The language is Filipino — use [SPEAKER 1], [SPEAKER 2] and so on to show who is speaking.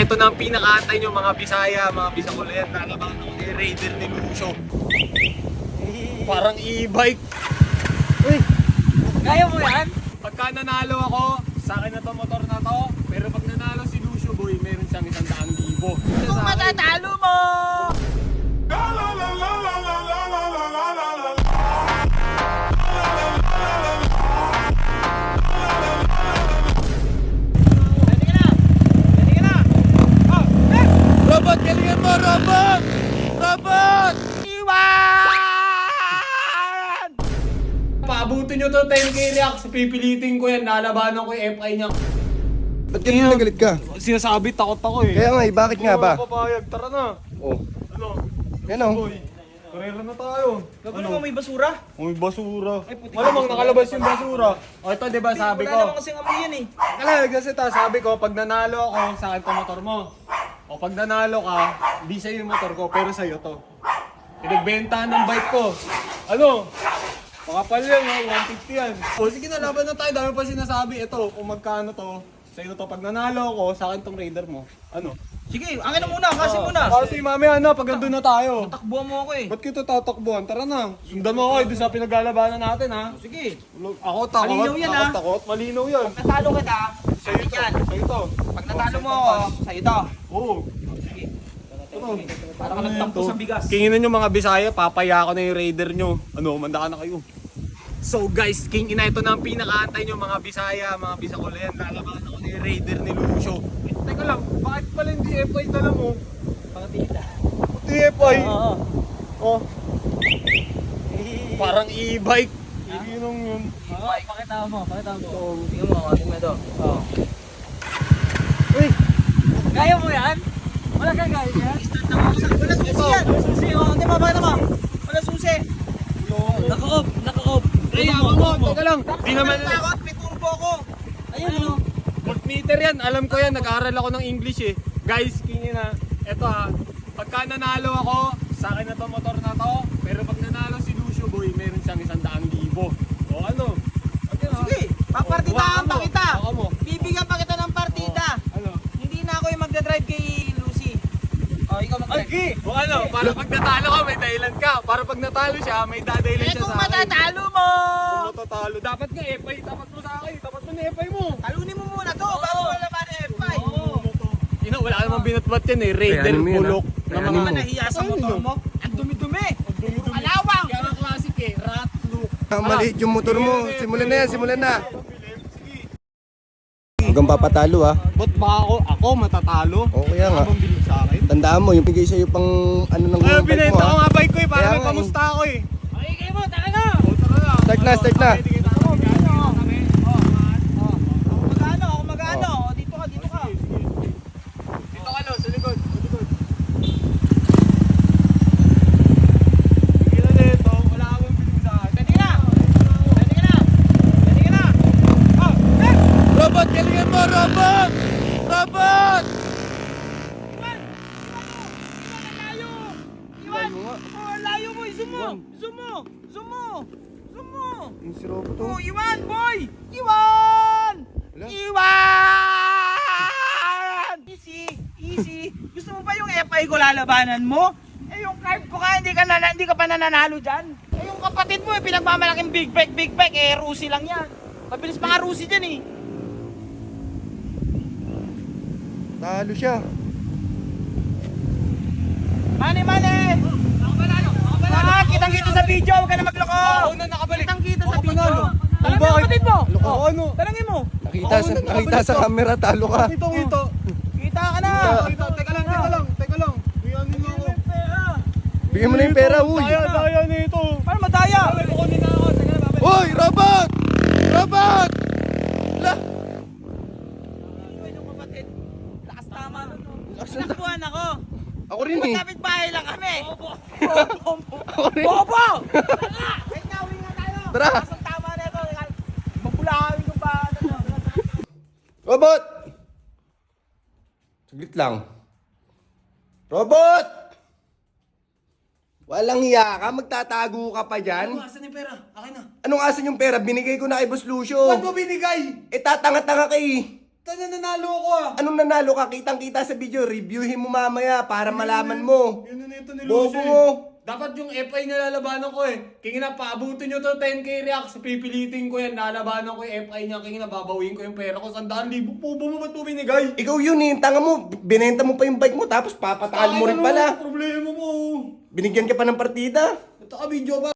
[SPEAKER 1] ito na ang pinakaantay nyo mga Bisaya, mga Bisakulayan. Lalaban ako ni Raider ni Lucio. Parang e-bike.
[SPEAKER 2] Uy, kaya mo yan?
[SPEAKER 1] Pagka nanalo ako, sa akin na to motor na to. Pero pag nanalo si Lucio Boy, meron siyang 100,000.
[SPEAKER 2] Kung matatalo mo!
[SPEAKER 1] Robot, galingan mo, Robot! Robot!
[SPEAKER 2] Iwan!
[SPEAKER 1] Paabutin nyo to 10k reacts. Pipilitin ko yan. Lalabanan ko yung FI niya.
[SPEAKER 3] Ba't ganyan nagalit ka?
[SPEAKER 1] Sinasabi, takot ako eh.
[SPEAKER 3] Kaya nga eh, bakit nga ba?
[SPEAKER 1] Papayag, tara na.
[SPEAKER 3] Oh,
[SPEAKER 1] Ano?
[SPEAKER 3] yan o.
[SPEAKER 1] Boy, karera na tayo.
[SPEAKER 2] Gagawin mo may basura?
[SPEAKER 1] May basura.
[SPEAKER 2] Ay, puti.
[SPEAKER 1] Malamang nakalabas yung basura. O ito, di ba sabi
[SPEAKER 2] Wala
[SPEAKER 1] ko?
[SPEAKER 2] naman kasing amoy yan eh.
[SPEAKER 1] Kaya kasi sabi ko, pag nanalo ako, sa akin to motor mo. O pag nanalo ka, di sa'yo yung motor ko, pero sa'yo to. Pinagbentahan ng bike ko. Ano? Makapal yan, ha? 150 yan. O sige na, laban na tayo. Dami pa sinasabi. Ito, kung magkano to, sa'yo to. Pag nanalo ako, sa akin tong Raider mo. Ano?
[SPEAKER 2] Sige, angin na muna, kasi muna.
[SPEAKER 1] Kasi mamaya na, pag andun na tayo.
[SPEAKER 2] Takbuhan mo ako eh.
[SPEAKER 1] Ba't kita tatakbuhan? Tara na. Sundan mo ako doon sa pinaglalabanan natin, ha?
[SPEAKER 2] Sige.
[SPEAKER 1] Ako takot.
[SPEAKER 2] Malinaw yan,
[SPEAKER 1] Ako
[SPEAKER 2] ha?
[SPEAKER 1] takot. Malinaw yan.
[SPEAKER 2] Natalo kita,
[SPEAKER 1] Sa'yo to.
[SPEAKER 2] yan.
[SPEAKER 1] Sa'yo to.
[SPEAKER 2] Pag natalo mo ako, sa'yo to.
[SPEAKER 1] Oo.
[SPEAKER 2] Sige. Para ka nagtampo sa bigas.
[SPEAKER 1] Kinginan nyo mga Bisaya, papaya ko na yung Raider nyo. Ano, manda ka na kayo. So guys, King Ina, ito na ang pinakaantay nyo mga Bisaya, mga Bisakulayan. Lalaban ako ni Raider ni Lucio. Teka lang, bakit pala hindi FI dala mo?
[SPEAKER 2] Pakatita.
[SPEAKER 1] Hindi FI.
[SPEAKER 2] Oo.
[SPEAKER 1] Oh, parang e-bike. Iginong yun.
[SPEAKER 2] Oo, pakita mo. Tingnan mo, tingnan mo ito. Oo.
[SPEAKER 3] Uy,
[SPEAKER 2] Kaya mo yan? Wala kang kaya yan? Wala susi yan! Susi, oh. Hindi mo, pakita mo. Wala susi. Naka-off.
[SPEAKER 1] Ay, ako mo, teka lang. Di naman,
[SPEAKER 2] Takot, may turbo ko. Ayun, ano?
[SPEAKER 1] voltmeter yan. Alam ko yan, nag-aaral ako ng English eh. Guys, King Ina, eto ha. Pagka nanalo ako, sa akin na to motor na to. Pero pag nanalo si Lucio Boy, meron siyang 100,000. O ano? Okay, ha?
[SPEAKER 2] Sige, papartidahan pa kita.
[SPEAKER 1] Ako mo.
[SPEAKER 2] Bibigyan pa kita ng partida.
[SPEAKER 1] Ano?
[SPEAKER 2] Hindi na ako yung magdadrive kay Lucy. Oh, ikaw mag-drive.
[SPEAKER 1] O ano, para pag natalo ka, may dahilan ka. Para pag natalo siya, may dadahilan
[SPEAKER 2] Eh
[SPEAKER 1] siya
[SPEAKER 2] kung
[SPEAKER 1] sa akin.
[SPEAKER 2] matatalo mo!
[SPEAKER 1] Kung matatalo, dapat nga FI, tapat mo sa akin. Tapat mo na FI mo.
[SPEAKER 2] Talunin mo muna to bago wala pa na F5.
[SPEAKER 1] Ina, wala namang binatbat yan eh. Raider,
[SPEAKER 3] Kaya ano mo yan,
[SPEAKER 1] bulok.
[SPEAKER 3] ha?
[SPEAKER 1] Na
[SPEAKER 3] Kaya
[SPEAKER 1] mga
[SPEAKER 3] ano mo?
[SPEAKER 2] Nahiya sa motor mo. Ang dumi-dumi. Alawang!
[SPEAKER 1] Kaya nga classic eh, rat look.
[SPEAKER 3] maliit yung motor mo. Simulan na yan, simulan na. Hanggang papatalo ha.
[SPEAKER 1] Ba't ba ako matatalo?
[SPEAKER 3] O kaya nga.
[SPEAKER 1] Habang bilib sa akin?
[SPEAKER 3] Tandaan mo, yung bigay sa'yo pang ano ng
[SPEAKER 1] Ay,
[SPEAKER 3] bike mo
[SPEAKER 1] binenta ko
[SPEAKER 3] ha.
[SPEAKER 1] nga bike ko eh, para
[SPEAKER 3] Kaya
[SPEAKER 1] may
[SPEAKER 3] nga eh.
[SPEAKER 1] pamusta ako eh.
[SPEAKER 2] Okay, kayo mo, taka na!
[SPEAKER 1] O, tara na.
[SPEAKER 3] Start na, start na.
[SPEAKER 1] Okay, tigil tayo.
[SPEAKER 2] Ako mag-ano? O, dito ka.
[SPEAKER 1] Dito ka no, sa likod. Sa likod. Tigilan na ito, wala ka bang bilib sa akin.
[SPEAKER 2] Pwede ka na! Oh,
[SPEAKER 1] Robot, galingan mo, Robot! Robot!
[SPEAKER 2] Iwan! Oh, layo mo! Zoom mo!
[SPEAKER 3] Yung si Robo to.
[SPEAKER 2] Oh, Iwan, boy! Iwan!
[SPEAKER 3] Wala.
[SPEAKER 2] Iwan! Easy. Gusto mo ba yung FI ko lalabanan mo? Eh, yung card ko ka, hindi ka pa nananalo dyan. Eh, yung kapatid mo, pinagmamalaking big bike, eh, Rusi lang yan. Mabilis pa nga Rusi dyan eh.
[SPEAKER 3] Talo siya.
[SPEAKER 2] Mane! Kitang-kita sa video, huwag ka na magloko!
[SPEAKER 1] Ako na nakabalik.
[SPEAKER 2] Kitang-kita sa
[SPEAKER 1] Ako
[SPEAKER 2] video.
[SPEAKER 1] panalo.
[SPEAKER 2] Alam mo
[SPEAKER 1] Bakit?
[SPEAKER 2] yung kapatid mo?
[SPEAKER 1] Loko ano?
[SPEAKER 2] Talangin mo.
[SPEAKER 3] Nakita sa camera, talo ka.
[SPEAKER 1] Ito.
[SPEAKER 2] Kita ka na.
[SPEAKER 1] Teka lang. Biyanin mo ako.
[SPEAKER 3] Bigyan mo na yung pera, uy.
[SPEAKER 1] Daya nito.
[SPEAKER 2] Paano madaya?
[SPEAKER 1] Kukunin na ako. Teka na, babalik.
[SPEAKER 3] Hoy, Robot! Robot! La!
[SPEAKER 2] Iwan yung kapatid. Lakas tama.
[SPEAKER 3] Lakas na-
[SPEAKER 2] Nakbuhan ako.
[SPEAKER 3] Ako rin eh.
[SPEAKER 2] Magkapit bahay lang kami.
[SPEAKER 3] Ako rin.
[SPEAKER 2] Bobo! Tara! Wait na, uwi nga tayo.
[SPEAKER 3] Tara.
[SPEAKER 2] Lakas ang tama na ito. Mabulahan yung bahay.
[SPEAKER 3] Robot! Saglit lang. Robot! Walang hiya ka, magtatago ka pa dyan.
[SPEAKER 1] Asan yung pera? Akin na.
[SPEAKER 3] Anong asan yung pera? Binigay ko na kay Boss Lucio.
[SPEAKER 1] Ba't mo binigay?
[SPEAKER 3] Eh tatanga-tanga ka eh.
[SPEAKER 1] nanalo ako ah.
[SPEAKER 3] Anong nanalo ka? Kitang-kita sa video. Reviewin mo mamaya para malaman mo.
[SPEAKER 1] Yun na ito ni
[SPEAKER 3] Bobo
[SPEAKER 1] Lucy.
[SPEAKER 3] mo.
[SPEAKER 1] Dapat yung FI niya lalabanan ko eh. Kaya na, paabutin nyo to 10k reacts. Pipilitin ko yan. Lalabanan ko yung FI niya. Kaya na, babawin ko yung pera ko. 100,000. Pubo mo ba't mo binigay?
[SPEAKER 3] Ikaw yun eh. Tanga mo. Binenta mo pa yung bike mo tapos papatalo mo rin pala.
[SPEAKER 1] Problema mo.
[SPEAKER 3] Binigyan ka pa ng partida.
[SPEAKER 1] Ito ka video ba?